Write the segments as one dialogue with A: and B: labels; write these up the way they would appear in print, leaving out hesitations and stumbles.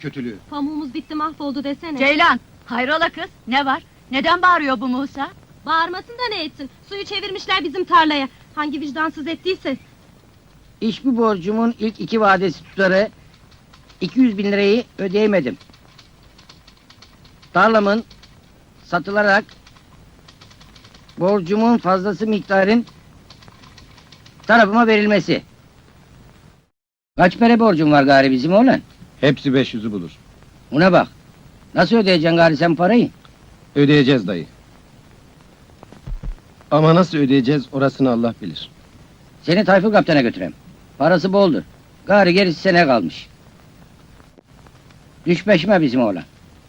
A: kötülüğü.
B: Pamuğumuz bitti, mahvoldu desene.
C: Ceylan, hayrola kız, ne var? Neden bağırıyor bu Musa?
B: Bağırmasın da ne etsin? Suyu çevirmişler bizim tarlaya. Hangi vicdansız ettiyse.
D: Hiçbir borcumun ilk 2 vadesi tutarı 200.000 lirayı ödeyemedim. Tarlamın satılarak borcumun fazlası miktarın tarafıma verilmesi. Kaç para borcum var gari bizim oğlan?
A: Hepsi 500'ü bulur.
D: Ona bak. Nasıl ödeyeceksin gari sen parayı?
A: Ödeyeceğiz dayı. Ama nasıl ödeyeceğiz orasını Allah bilir.
D: Seni Tayfur Kaptan'a götüreyim. Parası boldur. Gari gerisi sene kalmış. Düş peşime bizim oğlan.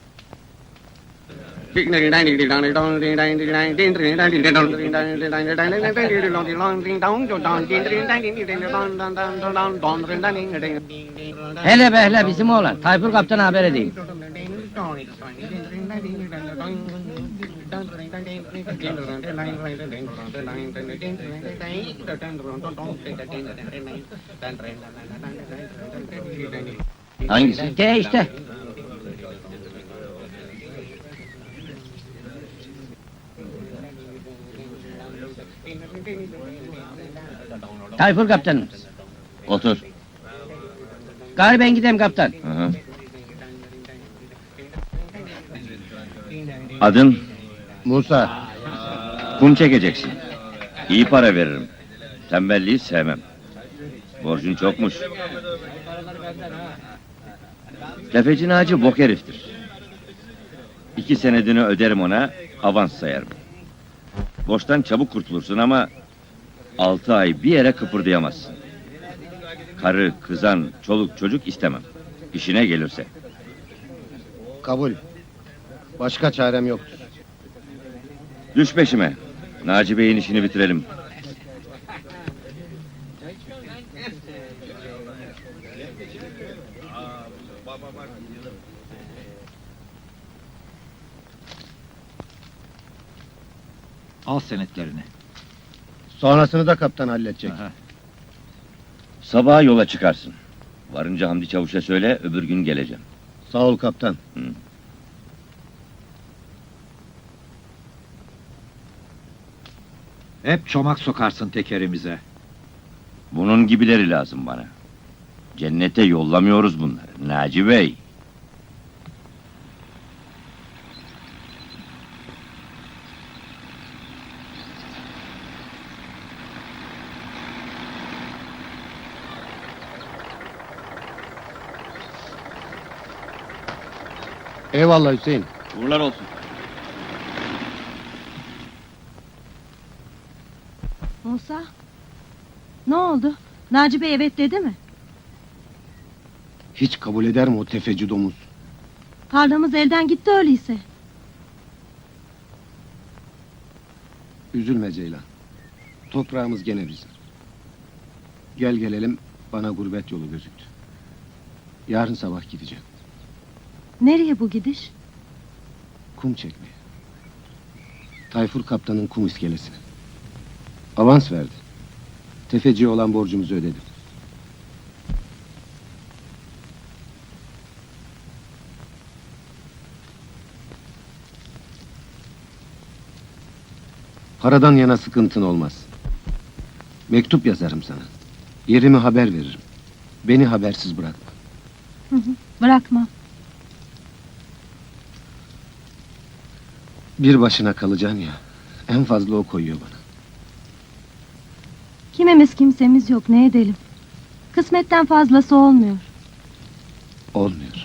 D: Hele behle bizim oğlan. Tayfur Kaptan'a haber edeyim.
A: Hangisi?
D: De işte. Tayfur Kaptanım.
E: Otur.
D: Gari ben gideyim kaptan.
E: Hı hı. Adın?
A: Musa.
E: Kum çekeceksin. İyi para veririm. Tembelliği sevmem. Borcun çokmuş. Tefeci Naci bok heriftir. 2 senedini öderim ona, avans sayarım. Borçtan çabuk kurtulursun ama 6 ay bir yere kıpırdayamazsın. Karı, kızan, çoluk çocuk istemem. İşine gelirse.
A: Kabul. Başka çarem yoktur.
E: Düş peşime. Naci Bey'in işini bitirelim.
F: Al senetlerini.
A: Sonrasını da kaptan halledecek.
F: Aha.
E: Sabaha yola çıkarsın. Varınca Hamdi Çavuş'a söyle, öbür gün geleceğim.
A: Sağ ol kaptan.
F: Hep çomak sokarsın tekerimize.
E: Bunun gibileri lazım bana. Cennete yollamıyoruz bunları, Naci Bey.
A: Eyvallah Hüseyin.
E: Uğurlar olsun.
B: Musa? Ne oldu? Naci Bey evet dedi mi?
A: Hiç kabul eder mi o tefeci domuz?
B: Tarlamız elden gitti öyleyse.
A: Üzülme Ceylan. Toprağımız gene bizim. Gel gelelim bana gurbet yolu gözüktü. Yarın sabah gideceğim.
B: Nereye bu gidiş?
A: Kum çekmeye. Tayfur kaptanın kum iskelesine. Avans verdi. Tefeciye olan borcumuzu ödedim. Paradan yana sıkıntın olmaz. Mektup yazarım sana. Yerimi haber veririm. Beni habersiz bırakma.
B: Bırakma.
A: Bir başına kalacaksın ya. En fazla o koyuyor bana.
B: Kimimiz kimsemiz yok, ne edelim? Kısmetten fazlası olmuyor.
A: Olmuyor.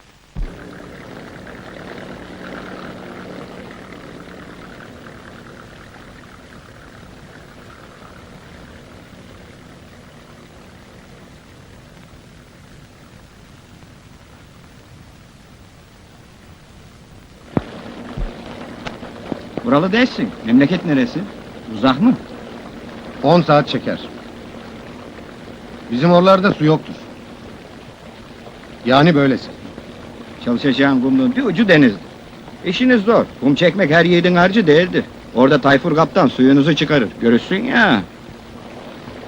F: Buralı değilsin. Memleket neresi? Uzak mı?
A: 10 saat çeker. Bizim oralarda su yoktur. Yani böylesi.
F: Çalışacağın kumluğun bir ucu denizdir. İşiniz zor. Kum çekmek her yiğidin harcı değildir. Orada Tayfur Kaptan suyunuzu çıkarır. Görürsün ya.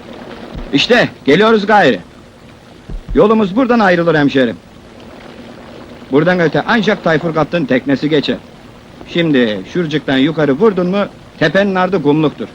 F: İşte geliyoruz gayrı. Yolumuz buradan ayrılır hemşerim. Buradan öte ancak Tayfur Kaptan teknesi geçer. Şimdi şurcuktan yukarı vurdun mu tepenin ardı kumluktur.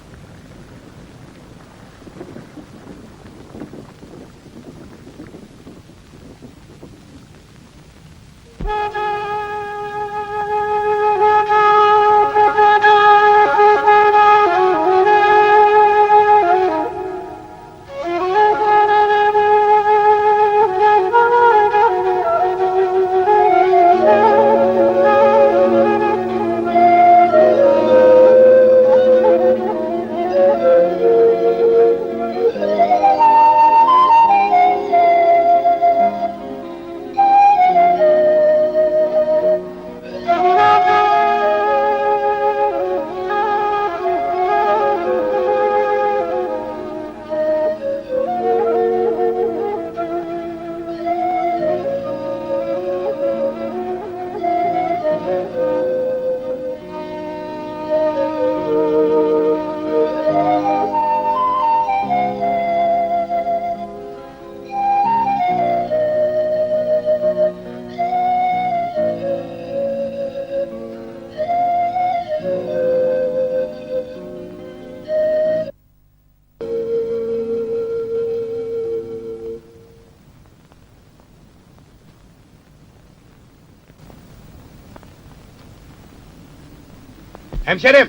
A: Hemşerim!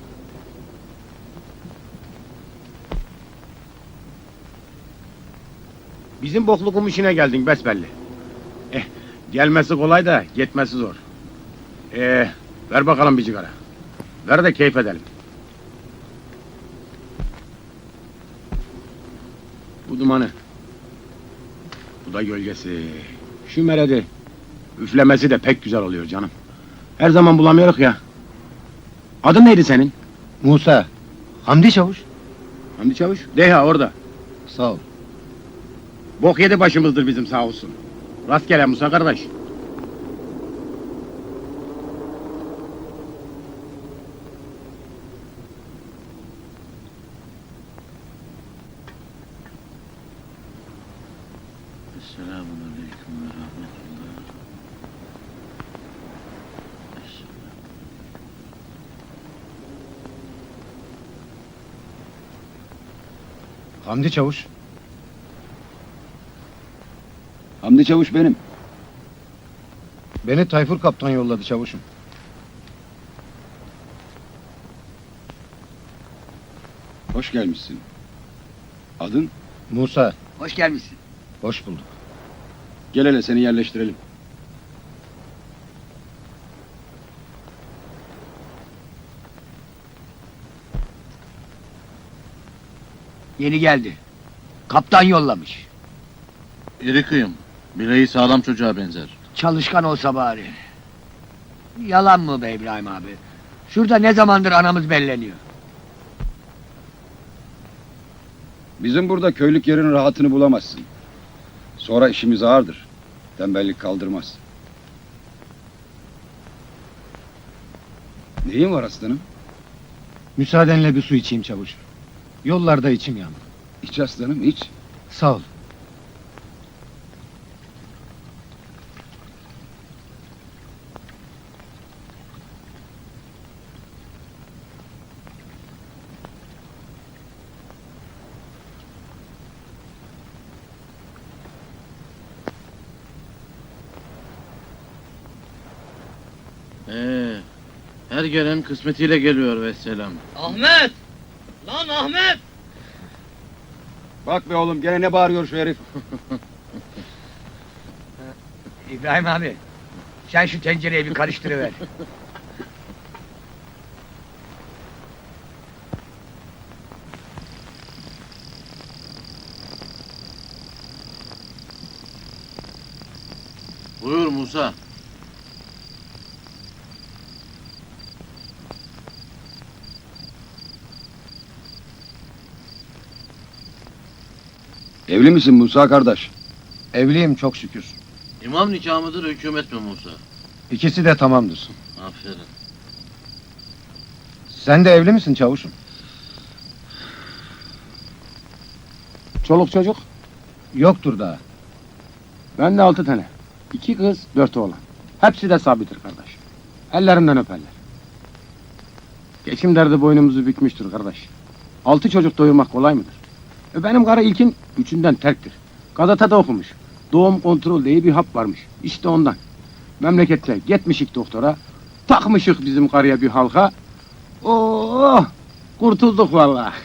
A: Bizim boklukum işine geldin besbelli. Gelmesi kolay da gitmesi zor. Ver bakalım bir cigara. Ver de keyif edelim. Bu dumanı. Bu da gölgesi. Şu meredi. Üflemesi de pek güzel oluyor canım. Her zaman bulamıyoruz ya. Adın neydi senin?
G: Musa. Hamdi Çavuş.
A: Hamdi Çavuş. Deha orada.
G: Sağ ol.
A: Bok yedi başımızdır bizim sağ olsun. Rastgele Musa kardeş.
E: Selamünaleyküm ve rahmetullah.
G: Hamdi Çavuş.
H: Hamdi Çavuş benim.
G: Beni Tayfur Kaptan yolladı çavuşum.
H: Hoş gelmişsin. Adın?
G: Musa.
D: Hoş gelmişsin.
G: Hoş bulduk.
H: Gel hele seni yerleştirelim.
D: Yeni geldi. Kaptan yollamış.
I: İri kıyım. Bileği sağlam çocuğa benzer.
D: Çalışkan olsa bari. Yalan mı be İbrahim abi? Şurada ne zamandır anamız belleniyor.
H: Bizim burada köylük yerin rahatını bulamazsın. Sonra işimiz ağırdır. Tembellik kaldırmaz. Neyin var aslanım?
G: Müsaadenle bir su içeyim çavuş. Yollarda içim yandı.
H: İç aslanım iç.
G: Sağ ol.
I: Her gelen kısmetiyle geliyor vesselam.
D: Ahmet! Lan Ahmet!
H: Bak be oğlum gene ne bağırıyor şu herif.
D: İbrahim abi, sen şu tencereyi bir karıştırıver.
I: Buyur Musa.
H: Evli misin Musa kardeş?
G: Evliyim çok şükür.
I: İmam nikahı mıdır, hükümet mi Musa?
G: İkisi de tamamdır.
I: Aferin.
G: Sen de evli misin çavuşum?
A: Çoluk çocuk.
G: Yoktur daha.
A: Ben de 6 tane. 2 kız, 4 oğlan. Hepsi de sabittir kardeş. Ellerinden öperler. Geçim derdi boynumuzu bükmüştür kardeş. 6 çocuk doyurmak kolay mıdır? Benim karı ilkin 3'ünden terktir. Gazetede okumuş. Doğum kontrol diye bir hap varmış. İşte ondan. Memlekette gitmişik doktora. Takmışık bizim karıya bir halka. Oo, kurtulduk vallahi.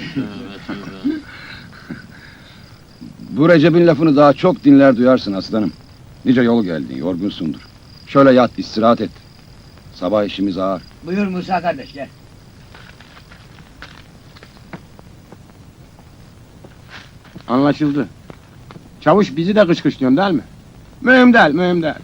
H: Bu Recep'in lafını daha çok dinler duyarsın aslanım. Nice yol geldin, yorgunsundur. Şöyle yat, istirahat et. Sabah işimiz ağır.
D: Buyur Musa kardeş gel.
A: Anlaşıldı. Çavuş bizi de kışkışlıyorsun değil mi? Mühim değil, mühim değil.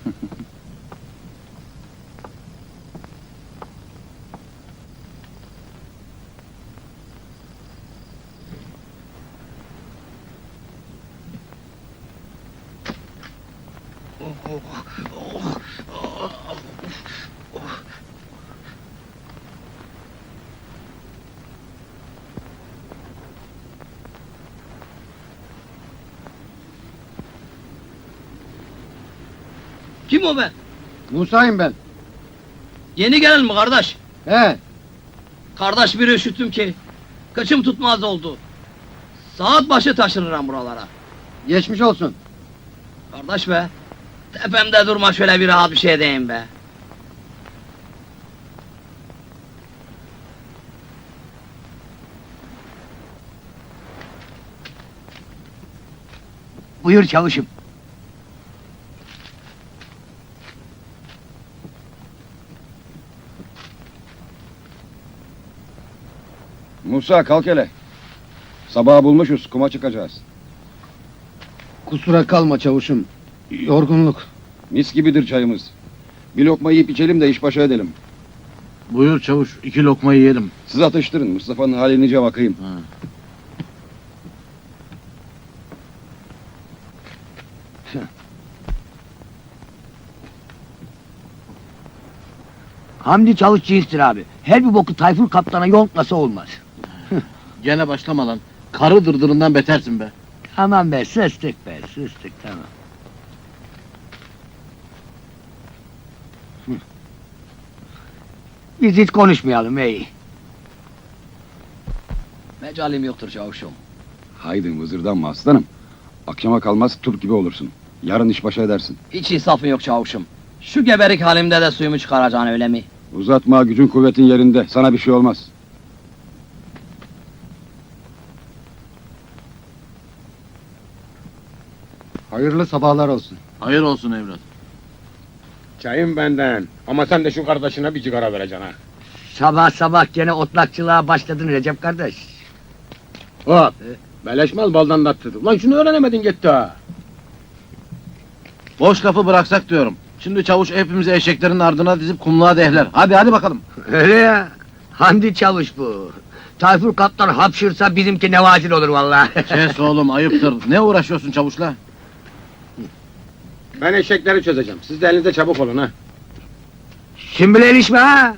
D: Kim o be?
G: Musa'yım ben.
D: Yeni gelen mi kardeş?
G: He,
D: Kardeş bir üşüttüm ki. Kıçım tutmaz oldu. Saat başı taşınırım buralara.
G: geçmiş olsun.
D: Kardeş be. Tepemde durma şöyle bir rahat bir şey diyeyim be. Buyur çavuşum.
H: Musa kalk hele. Sabahı bulmuşuz, kuma çıkacağız.
G: Kusura kalma çavuşum. Yorgunluk.
H: Mis gibidir çayımız. Bir lokma yiyip içelim de iş başa edelim.
I: Buyur çavuş, 2 lokma yiyelim.
H: Siz atıştırın, Mustafa'nın haline nice bakayım.
I: Ha.
D: Hamdi Çavuş cinstir abi. Her bir boku Tayfur kaptana yontlasa olmaz.
I: Gene başlama lan. Karı dırdırından betersin be.
D: Aman be sustuk be sustuk tamam. Biz hiç konuşmayalım iyi. Mecalim yoktur çavuşum.
H: Haydi vızırdanma aslanım. Akşama kalmaz Türk gibi olursun. Yarın iş başa edersin.
D: Hiç insafın yok çavuşum. Şu geberik halimde de suyumu çıkaracaksın öyle mi?
H: Uzatma, gücün kuvvetin yerinde. Sana bir şey olmaz.
G: Hayırlı sabahlar olsun.
I: Hayır olsun evlat.
A: Çayım benden. Ama sen de şu kardeşine bir sigara vereceksin ha.
D: Sabah sabah gene otlakçılığa başladın Recep kardeş.
A: Hop. Beleşmez baldan tatlıdır. Lan şunu öğrenemedin gitti ha.
I: Boş lafı bıraksak diyorum. Şimdi çavuş hepimizi eşeklerin ardına dizip kumluğa dehler. Hadi bakalım.
D: Öyle ya. Hamdi Çavuş bu. Tayfur kaptan hapşırsa bizimki nevazil olur vallahi.
I: Kes oğlum, ayıptır. Ne uğraşıyorsun çavuşla?
A: Ben eşekleri çözeceğim. Siz de elinizde çabuk olun ha.
D: Sümbül ilişme ha.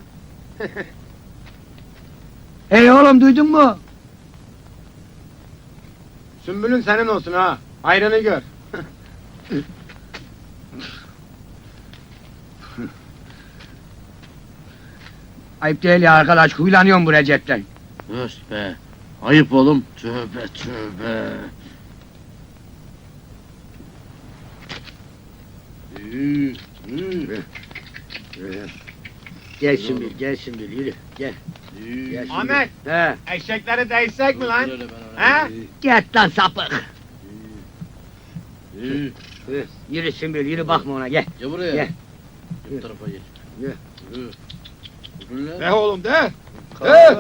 D: Ey oğlum duydun mu?
A: Sümbülün senin olsun ha. Ayrını gör.
D: Ayıp değil ya arkadaş, huylanıyorum bu Recep'ten.
I: Öst be. Ayıp oğlum. Tövbe tövbe.
D: Gel Sümbül, gel Sümbül, yürü, gel. Gel Sümbül.
A: Ahmet.
D: He.
A: Eşekleri değsek mi lan? Ha?
D: Git lan sapık. Yürü Sümbül, yürü bakma ona, gel.
I: Gel buraya.
D: Gel.
I: Bu tarafa geç.
D: Gel.
I: Yürü. Yürü.
A: De oğlum de.
D: Gel.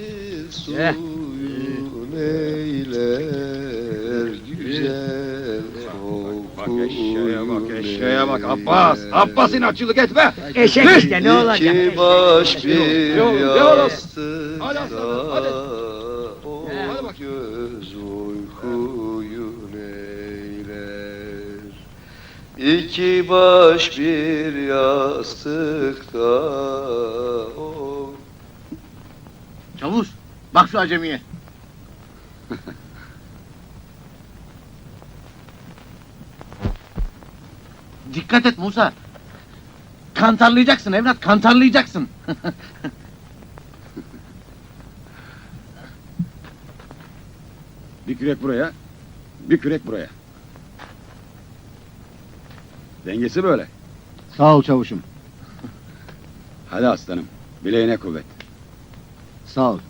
H: Bak eşeğe bak Abbas. Abbas inatçılık etme.
D: Eşek işte, ne olacak?
J: baş bir
H: De oğlum.
J: yastıkta
H: Hadi aslanım, hadi.
J: o
H: Hadi bak.
J: göz uykuyu neyler. İki baş bir yastıkta o.
I: Çavuş, bak şu acemiye. Dikkat et Musa. Kantarlayacaksın evlat, kantarlayacaksın.
H: Bir kürek buraya, bir kürek buraya. Dengesi böyle.
G: Sağ ol çavuşum.
H: Hadi aslanım, bileğine kuvvet.
G: Sağ ol.